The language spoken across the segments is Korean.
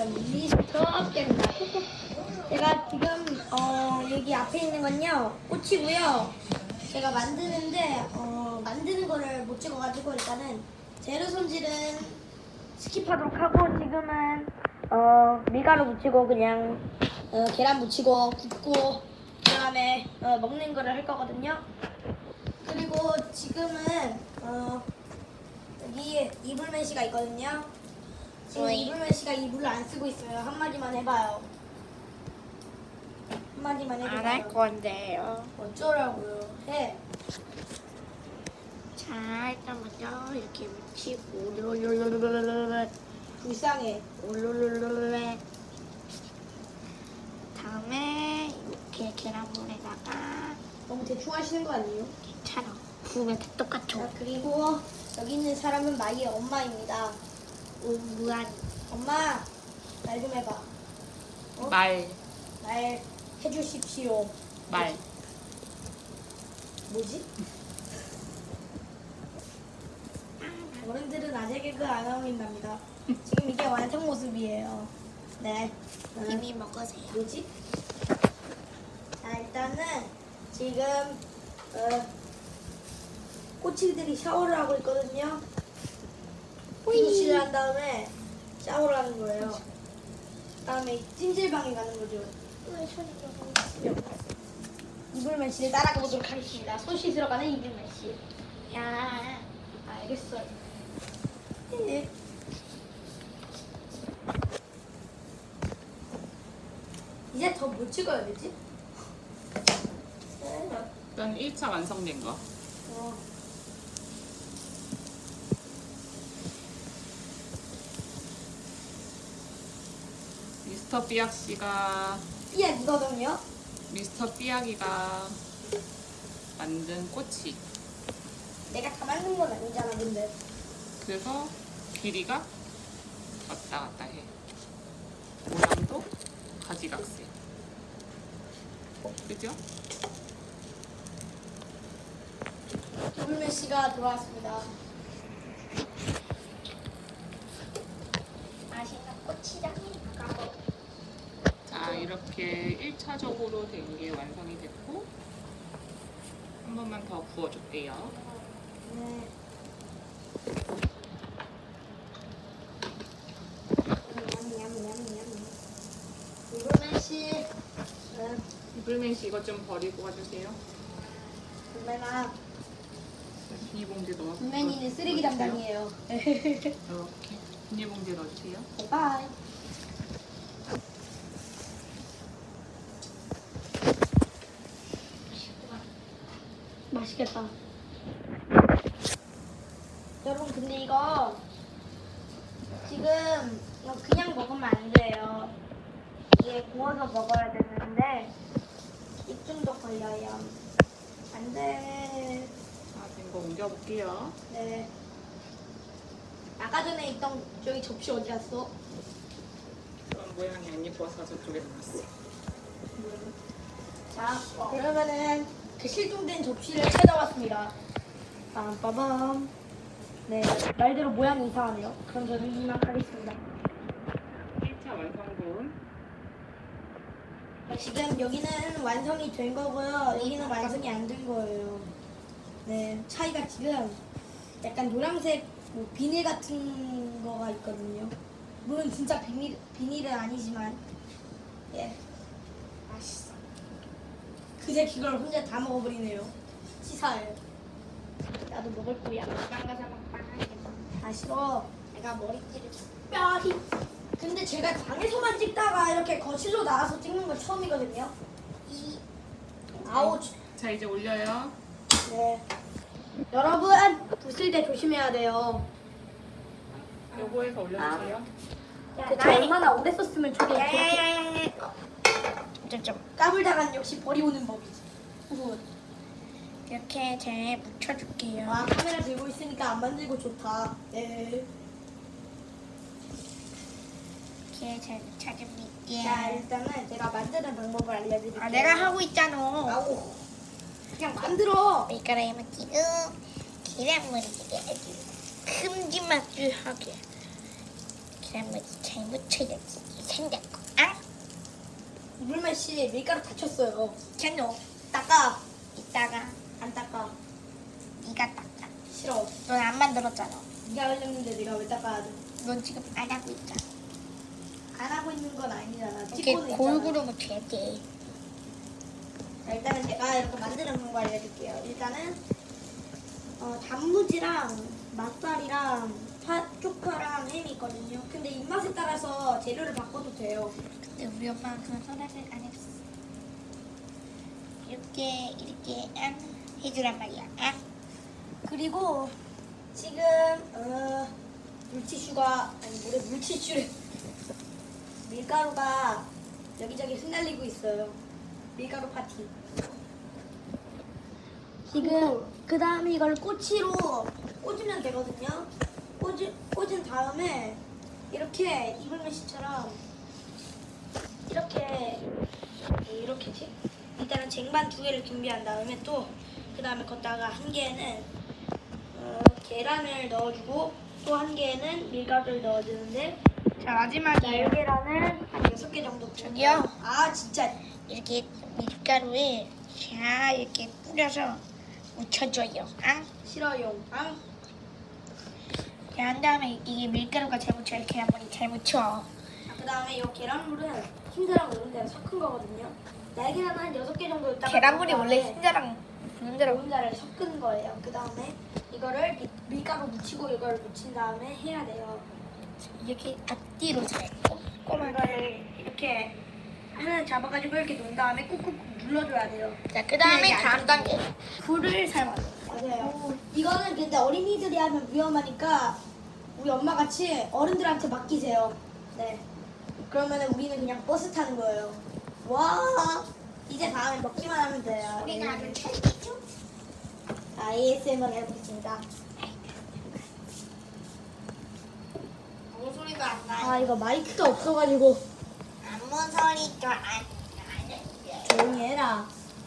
미스터입니다. 제가 지금 여기 앞에 있는 건요 꽃이고요. 제가 만드는데 만드는 거를 못 찍어가지고 일단은 재료 손질은 스킵하도록 하고 지금은 밀가루 묻히고 그냥 계란 묻히고 굽고 그다음에 먹는 거를 할 거거든요. 그리고 지금은 여기 이불맨씨가 있거든요. 지금 이불맨씨가 이불을 안 쓰고 있어요. 한마디만 해봐요. 한마디만 해봐요. 안 할 건데요. 어쩌라고요? 해. 자, 일단 먼저 이렇게 묻히고 롤롤롤롤롤 불쌍해. 롤롤롤롤 다음에 이렇게 계란물에다가 너무 대충 하시는 거 아니에요? 괜찮아. 부으면 다 똑같아. 자, 그리고 여기 있는 사람은 마이의 엄마입니다. 무한 엄마, 말 좀 해봐. 말. 말 해주십시오. 말. 뭐지? 어른들은 아재 개그 안 어울린답니다. 지금 이게 완성 모습이에요. 네. 이미 먹으세요. 뭐지? 자, 일단은 지금 꼬치들이 샤워를 하고 있거든요. 두시를 한 다음에 샤워를 하는 거예요. 그다음에 찜질방에 가는 거죠. 왜 손이 너무 이불맨 씨를 따라가 보도록 하겠습니다. 손 씻으러 가는 이불맨 씨. 야, 알겠어요. 네. 이제 더 뭐 찍어야 되지? 일단 1차 완성된 거. 미스터 삐약 씨가 삐약이거든요. 미스터 삐약이가 만든 꼬치. 내가 다 만든 건 아니잖아, 근데. 그래서 길이가 왔다 갔다 해. 모양도 가지각색. 그죠? 이불맨 씨가 돌아왔습니다. 맛있는 고추장이니까. 자, 이렇게 1차적으로 된 게 완성이 됐고 한 번만 더 구워줄게요. 네. 이불맨 씨. 이불맨 씨 이것 좀 버리고 와주세요. 불맨아. 비닐봉지 넣어서 불맨이는 쓰레기 넣어주세요. 담당이에요. 이렇게 비닐봉지에 넣어주세요. 바이. 맛있겠다. 여러분 근데 이거 지금 이거 그냥 먹으면 안 돼요. 이게 구워서 먹어야 되는데 입중독 걸려요. 안 돼. 자, 된 거 옮겨볼게요. 네. 아까 전에 있던 저기 접시 어디 갔어? 그런 모양이 안 예뻐서 저쪽에 놨어요. 자, 그러면은 그 실종된 접시를 찾아왔습니다. 빠밤. 네, 말대로 모양이 이상하네요. 그럼 저는 이만 가겠습니다. 1차 완성분. 지금 여기는 완성이 된 거고요. 여기는 완성이 안 된 거예요. 네, 차이가 지금 약간 노란색 뭐 비닐 같은 거가 있거든요. 물론 진짜 비닐은 아니지만, 예, 맛있어. 그제 그걸 혼자 다 먹어버리네요. 치사해. 나도 먹을 거야. 빵가사 먹방 하겠다. 다 싫어. 내가 머리띠를 뼈리. 근데 제가 방에서만 찍다가 이렇게 거실로 나와서 찍는 건 처음이거든요. 아우. 자, 이제 올려요. 네. 여러분 부술 때 조심해야 돼요. 요거에서 올려주세요. 대체 얼마나 오래 썼으면 저게 이렇게 야야야야야. 좀 까불다간 역시 버리오는 법이지. 후. 이렇게 잘 묻혀줄게요. 와 카메라 들고 있으니까 안 만들고 좋다. 네. 이렇게 잘 묻혀줍니다. 자 일단은 제가 만드는 방법을 알려드릴게요. 아, 내가 하고 있잖아. 아우. 그냥 만들어. 밀가루에 묻히고 계란물이 아주 큼지막하게 계란물이 잘 묻혀야지. 텐데. 아? 물만 씨 밀가루 다쳤어요. 캔노. 닦아. 이따가 안 닦아. 네가 닦아. 싫어. 넌 안 만들었잖아. 네가 흘렸는데 네가 왜 닦아야 돼? 넌 지금 안 하고 있잖아. 안 하고 있는 건 아니잖아. 이렇게 찍고는 있잖아. 골고루 묻혀야 돼. 자, 일단은 제가 이렇게 만드는 방법 알려줄게요. 일단은 단무지랑 맛살이랑 쪽파랑 햄이 있거든요. 근데 입맛에 따라서 재료를 바꿔도 돼요. 근데 우리 엄마는 그런 허락을 안 했어. 이렇게 해주란 말이야. 그리고 지금 물티슈가 아니 뭐래 물티슈를 밀가루가 여기저기 흩날리고 있어요. 밀가루 파티. 지금 그 다음에 이걸 꼬치로 꽂으면 되거든요. 꽂은 다음에 이렇게 이불메시처럼 이렇게지. 일단은 쟁반 2개를 준비한 다음에 또 그 다음에 걷다가 한 개는 계란을 넣어주고 또 한 개는 밀가루를 넣어주는데 자, 마지막이에요. 날계란을 한 6개 정도 저기요. 아 진짜 이렇게 밀가루에 자 이렇게 뿌려서 묻혀줘요. 싫어요. 한 다음에 이게 밀가루가 잘 묻혀 이렇게 한번 잘 묻혀. 그 다음에 이 계란물은 흰자랑 이런 데랑 섞은 거거든요. 날계란 한 6개 정도 있다가 계란물이 원래 그다음에 흰자랑 분자랑 노른자를 섞은 거예요. 그 다음에 이거를 밀가루 묻히고 이걸 묻힌 다음에 해야 돼요. 이렇게 앞뒤로 잘 꼼꼼하게. 이거를 이렇게 하나 잡아가지고 이렇게 놓은 다음에 꾹꾹 눌러줘야 돼요. 자, 그 다음에 이게 다음 단계. 불을 살만. 맞아요. 이거는 근데 어린이들이 하면 위험하니까 우리 엄마 같이 어른들한테 맡기세요. 네. 그러면은 우리는 그냥 버스 타는 거예요. 와. 이제 다음에 먹기만 하면 돼요. 우리는 아주 찰지죠? ASMR 해보겠습니다. 아무 소리도 안 아 나요. 이거 마이크가 없어가지고 아무 소리도 안 나요. 조용히 해라.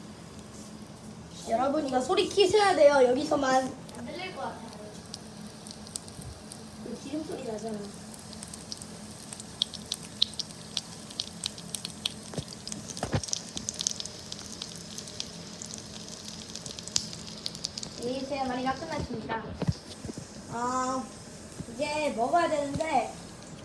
여러분 이거 소리 키셔야 돼요. 여기서만. 안 들릴 것 같아요. 이거 기름 소리 나잖아. ASMR이가 끝났습니다. 이제 먹어야 되는데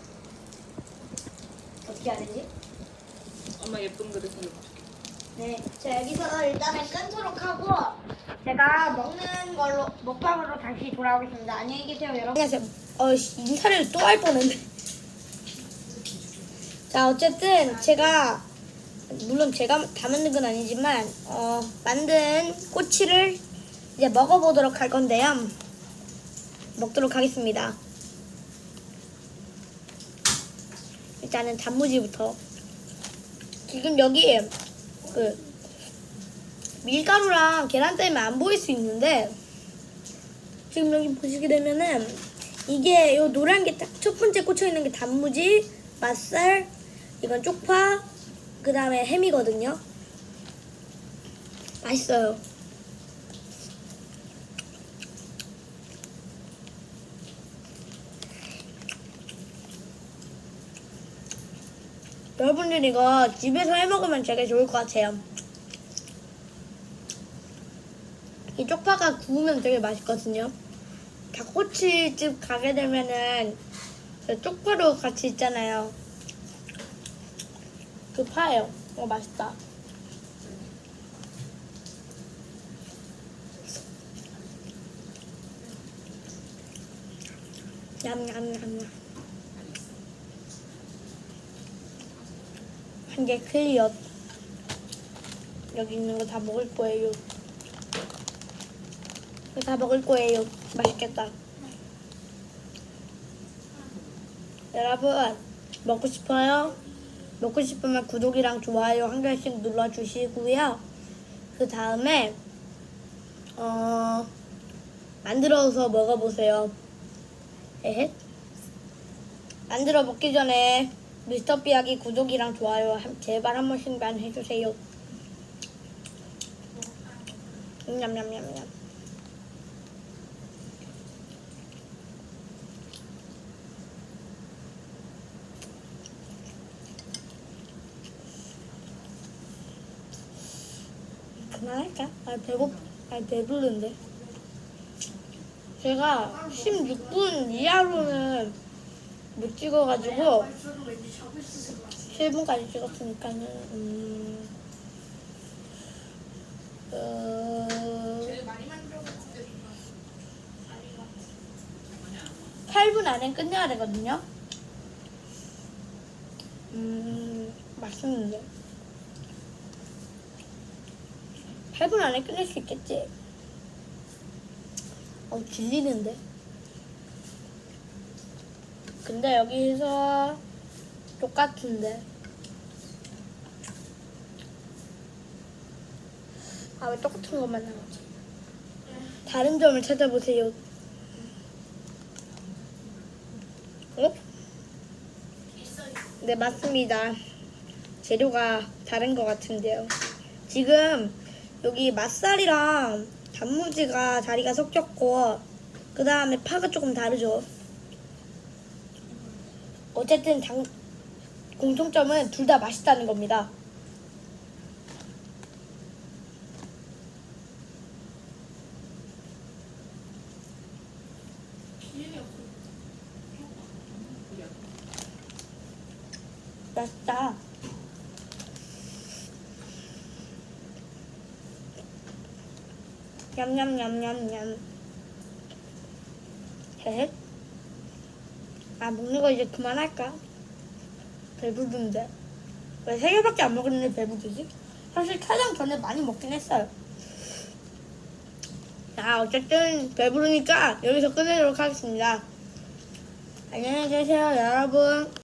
어떻게 해야 되지? 엄마 예쁜 그릇 해줄게. 네, 자 여기서 일단은 끊도록 하고 제가 먹는 걸로 먹방으로 다시 돌아오겠습니다. 안녕히 계세요, 여러분. 안녕하세요. 인사를 또 할 뻔했네. 자, 어쨌든 제가 물론 제가 다 만든 건 아니지만 만든 꼬치를 이제 먹어보도록 할 건데요. 먹도록 하겠습니다. 일단은 단무지부터. 지금 여기 그 밀가루랑 계란 때문에 안 보일 수 있는데 지금 여기 보시게 되면은 이게 요 노란 게 딱 첫 번째 꽂혀 있는 게 단무지, 맛살, 이건 쪽파, 그 다음에 햄이거든요. 맛있어요. 여러분들 이거 집에서 해 먹으면 되게 좋을 것 같아요. 이 쪽파가 구우면 되게 맛있거든요. 닭꼬치집 가게 되면은 그 쪽파로 같이 있잖아요. 그 파예요. 맛있다. 냠냠냠냠. 한 개 클리어. 여기 있는 거 다 먹을 거예요. 이거 다 먹을 거예요. 맛있겠다. 여러분, 먹고 싶어요? 먹고 싶으면 구독이랑 좋아요 한 개씩 눌러주시고요. 그 다음에 만들어서 먹어보세요. 에헷. 만들어 먹기 전에 미스터 삐약이 구독이랑 좋아요 제발 한 번씩만 해주세요. 냠냠냠냠. 그만할까? 배부른데. 제가 16분 이하로는 못 찍어가지고 7분까지 찍었으니까는 8분 안에 끝내야 되거든요. 맛있는데 8분 안에 끝낼 수 있겠지? 질리는데. 근데 여기서 똑같은데. 아, 왜 똑같은 것만 나오지? 다른 점을 찾아보세요. 어? 네, 맞습니다. 재료가 다른 것 같은데요. 지금 여기 맛살이랑 단무지가 자리가 섞였고, 그 다음에 파가 조금 다르죠. 어쨌든 공통점은 둘 다 맛있다는 겁니다. 맛있다. 냠냠냠냠냠. 헤헷. 아, 먹는 거 이제 그만할까? 배부른데. 왜 3개밖에 안 먹었는데 배부르지? 사실 촬영 전에 많이 먹긴 했어요. 자, 어쨌든 배부르니까 여기서 끝내도록 하겠습니다. 안녕히 계세요, 여러분.